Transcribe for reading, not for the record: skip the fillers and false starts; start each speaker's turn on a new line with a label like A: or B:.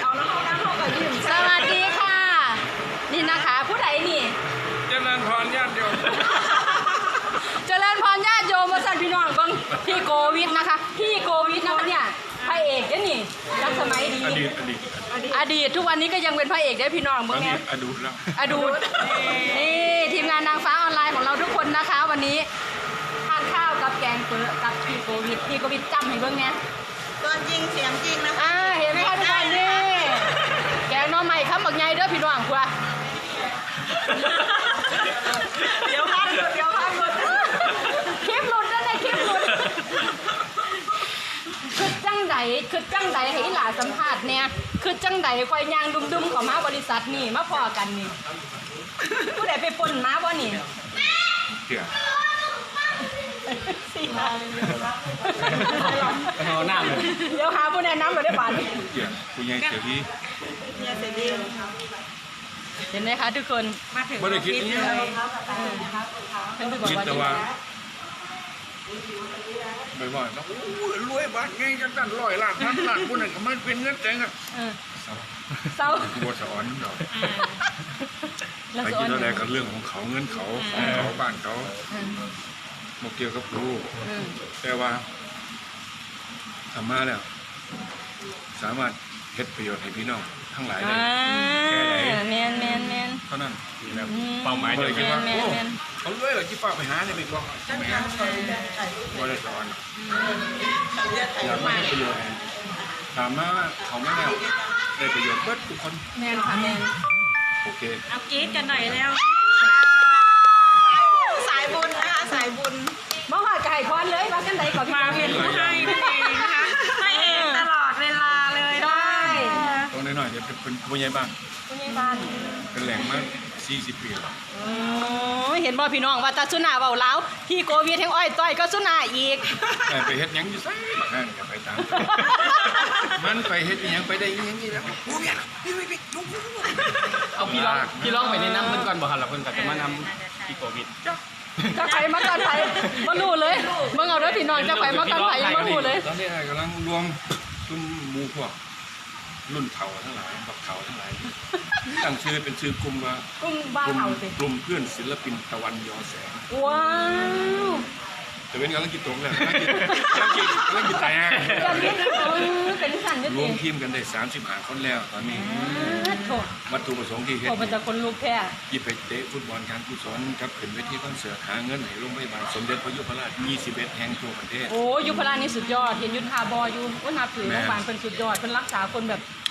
A: เขาแล้วเขานั่งเขากับยิ้ม
B: สวัสดีค่ะ นี่นะคะผู้ใดนี่
C: เจริญพรญาติโยม
B: เจริญพรญาติโยมมาสั่นพี่น้องเบิ่งพี่โควิดนะคะพี่โควิดนะคะเนี่ยพระเอกเด้อนี่รักสมัยดี อดีตทุกวันนี้ก็ยังเป็นพระเอกได้อพี่น้อง
C: ต
B: เบิ่
C: อน
B: งไง
C: นี้อดูแล้ว
B: อดูนี่ทีมงานนางฟ้าออนไลน์ของเราทุกคนนะคะ วันนี้ทานข้าวกับแกงเปื้อกับพี่โควิดจำให้เบิ่งไง
A: ตัวจริงเสียงจริงนะ
B: เห็นไหมคะทุกคนนี่แกงหน้อใหม่ข้าวหมักไงเด้อพี่น้องค่ะ
A: เดี๋ยวพักหลุดเดี๋ยวพักหลุด
B: คลิปหลุดนั่นแหละคลิปหลุดคือจังใดให้หลาสัมภาษณ์เนี่ยคือจังใดคอยยางดุมๆของมาบริษัทนี่มาพอกันนี่ผู้ใดไปปนมาบ่นี่
C: เกี่ย
D: เอาหน้าเลย
B: เดี๋ยวหาผู้แนะนำมาได้ป่าน
C: เกี่ยคุณยายเกี่ยที่
A: เนี่ยเสร็จดี
B: เห็นไหมคะทุกคน
A: มาถึง
C: ไม่ได้คิดนี่
B: ท่านผู้บอก
C: คิด
B: ว่า
C: แต่ว่าบ่อยๆต้องรวยบาทไงจังตั้ง100 ล้านพันล้านคนนึงก็มันเป็นเงินแจงอ่ะ
B: เศร้า
C: บัวสอนดอก
B: แล้ว
C: ไป
B: สอ
C: คิด
B: น
C: อะไรกับเรื่องของเขาเงินเขาของเขาบ้านเขาบ่เกี่ยวกับรู้แต่ว่าทำมาแล้วสามารถเฮ็ดประโยชน์ให้พี่น้องทั้งหลายได้
B: แมน
C: เท่านั้นแบบ
D: เป้าหมาย
C: บ่
D: เดีย
C: ได้
D: ว
C: คิ
D: กั
C: ด
D: น
C: ว่าโอ้เขารวยเหรอที่ป้าไปหาเนี่ยไม่บอกไม่หาบ่ได้สอนอยากมาให้ประโยชน์ถามมาเขาไม่ได้ประโยชน์เบิดทุกคน
B: แมนค่ะแมน
C: โอเค
A: เอากรี๊ดกันหน่อยแล้วสายบุญนะคะสายบุญ
B: บ่หอดไก่พรเลยว่าจังไดก่อน
A: มาเป็นผู้ให้นั่นเองนะคะให้เองตลอดเวลาเลย
B: ได้
C: ตรงน้อยๆจะเป็นผู้ใหญ่บ้าน
B: ผู้ใหญ่บ้าน
C: เป็นแหล่งมา40 ปีแล้ว
B: เห็นบ่พี่น้องว่าตาสุนาเว้าลาวพี่โควิดแห่งอ้อยต้อยก็สุนาอีก
C: ไปเฮ็ดหยังอยู่ไสบักนั่นก็ไปตามมันไปเฮ็ดหยังไปได้หยังนี่แล้วโอ้ยพี่ลุง
D: เอาพี่ร้องไปในน้ำเพิ่นก่อนบอกครับเราเพิ่นก็จะมานำพี่โควิด
B: จะไปมาก่อนไปบ่รู้เลยมึงเอาเด้อพี่น้องจะไปมาก่อนไปยังบ่รู้เลย
C: ตอนนี้กำลังรวมชุมหมู่พวกรุ่นเฒ่าทั้งหลายบักเฒ่าทั้งหลายตั้งชื่อเป็นชื่อกลุ่มว่า
B: กุ้งบ้าก
C: ลุ่ม
B: เฮาสิ
C: กลุ่มเพื่อนศิลปินตะวันยอแสง
B: ว้าว
C: แต่เป็นกำลังกินตรงเลยกำลังกินแต่
B: จะมีเป็นสั่นอยู่
C: ร
B: ติ
C: วมทีมกันได้35 คนแล้วตอนนี้
B: โถ
C: วัตถุประสงค์ที่เฮ็ด
B: โถมันจะคนลุกแท้
C: ยี่ไปเตะฟุตบอลการกุศลกับขึ้นเวทีคอนเสิร์ตหาเงินให้โรงพยาบาลสมเด็จพระยุพราช21 แห่งทั่วประเทศ
B: โอ้ยุพรานี่สุดยอดเห็นยุทธาบออยู่ว่านับถือโรงพยาบาลเป็นสุดยอดเป็นรักษาคนแบบ